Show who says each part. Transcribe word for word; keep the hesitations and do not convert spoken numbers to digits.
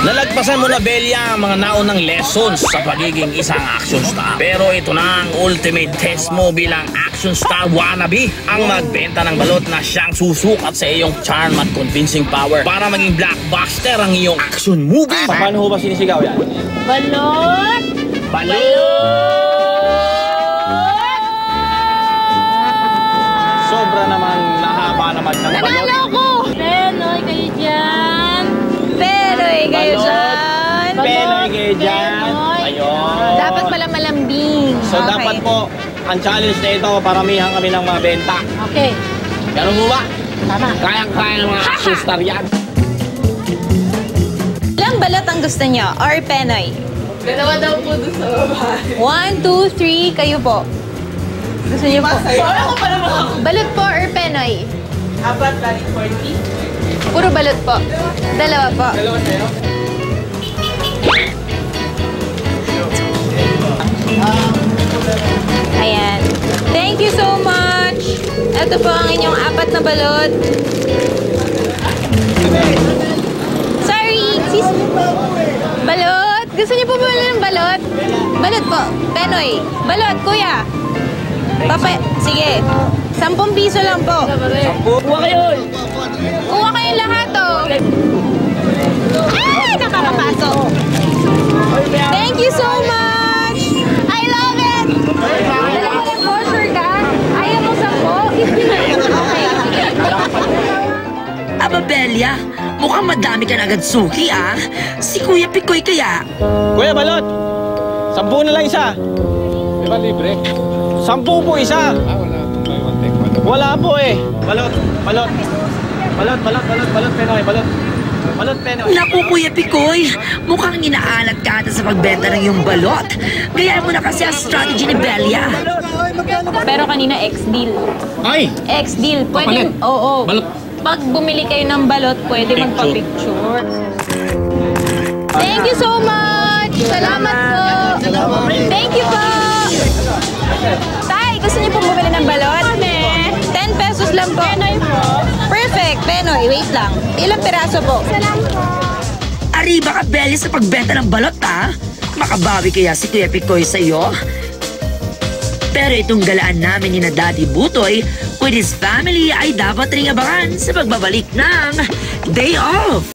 Speaker 1: Nalagpasan mo na, Belia, ang mga naunang lessons sa pagiging isang action star. Pero ito na ang ultimate test mo bilang action star wannabe. Ang magbenta ng balot na siyang susukat sa iyong charm at convincing power para maging blockbuster ang iyong action movie. Paano ho ba sinisigaw yan?
Speaker 2: Balot!
Speaker 1: Balot! Sobra naman, nahaba naman ng balot.
Speaker 2: Nanalo ko! Penoy kayo dyan! Penoy kayo dyan!
Speaker 1: Penoy kayo dyan! Ayun!
Speaker 2: Dapat pala malambing.
Speaker 1: So
Speaker 2: Okay.
Speaker 1: dapat po, ang challenge na ito, paramihan kami ng mabenta.
Speaker 2: Okay.
Speaker 1: Ganun mo ba?
Speaker 2: Tama.
Speaker 1: Kayang-kaya ng mga action star yan.
Speaker 2: Ilang balot ang gusto nyo? Or Penoy?
Speaker 3: Dalawa daw po doon sa babae.
Speaker 2: One, two, three, kayo po. Gusto niyo po?
Speaker 3: Wala ko pala mga
Speaker 2: Balot po or Penoy?
Speaker 3: apat, bali forty.
Speaker 2: Puro balot po. Dalawa po.
Speaker 3: Dalawa sa'yo.
Speaker 2: Ayan. Thank you so much. Ito po ang inyong apat na balot. Sorry, sis. Balot. Gusto niyo po ba ng balot? Balot po. Penoy. Balot, kuya. Papa, sige. Sampung piso lang po.
Speaker 1: Kuha kayo!
Speaker 2: Kuha kayong lahat, oh. Ay, nakakapasok. Thank you so much. I love it. Dalawa lang po, sure ka? Ayaw mo sampo? Okay, sige.
Speaker 4: Aba, Belia, mukhang madami ka na agad suki, ah. Si Kuya Pikoy kaya.
Speaker 1: Kuya Balot! Sampu na lang isa.
Speaker 5: Di ba libre?
Speaker 1: Sampu po isa.
Speaker 5: Ah, wala. Buy one take one.
Speaker 1: Wala po eh. Balot, balot. Balot, balot, balot, balot, Penoy, balot. Balot, Penoy.
Speaker 4: Naku, Kuya Pikoy, mukhang inaalat ka ata sa pagbenta ng iyong balot. Gayaan mo na kasi ang strategy ni Belia.
Speaker 2: Pero kanina, ex-deal.
Speaker 1: Ay!
Speaker 2: Ex-deal.
Speaker 1: Papalit?
Speaker 2: Pwede, oo.
Speaker 1: Balot.
Speaker 2: Pag bumili kayo ng balot, pwede
Speaker 1: Picture.
Speaker 2: magpa-picture. Thank you so much! Salamat po! Thank you po! Tay, gusto niyo pong bumili ng balot? ten pesos lang po. Penoy po. Perfect. Penoy, wait lang. Ilang piraso po? Salamat po.
Speaker 4: Arriba ka, Belia, sa pagbenta ng balot, ah. Makabawi kaya si Kuya Pikoy sa'yo? Pero itong galaan namin ni na Daddy Butoy with his family ay dapat ring abangan sa pagbabalik ng Day Off.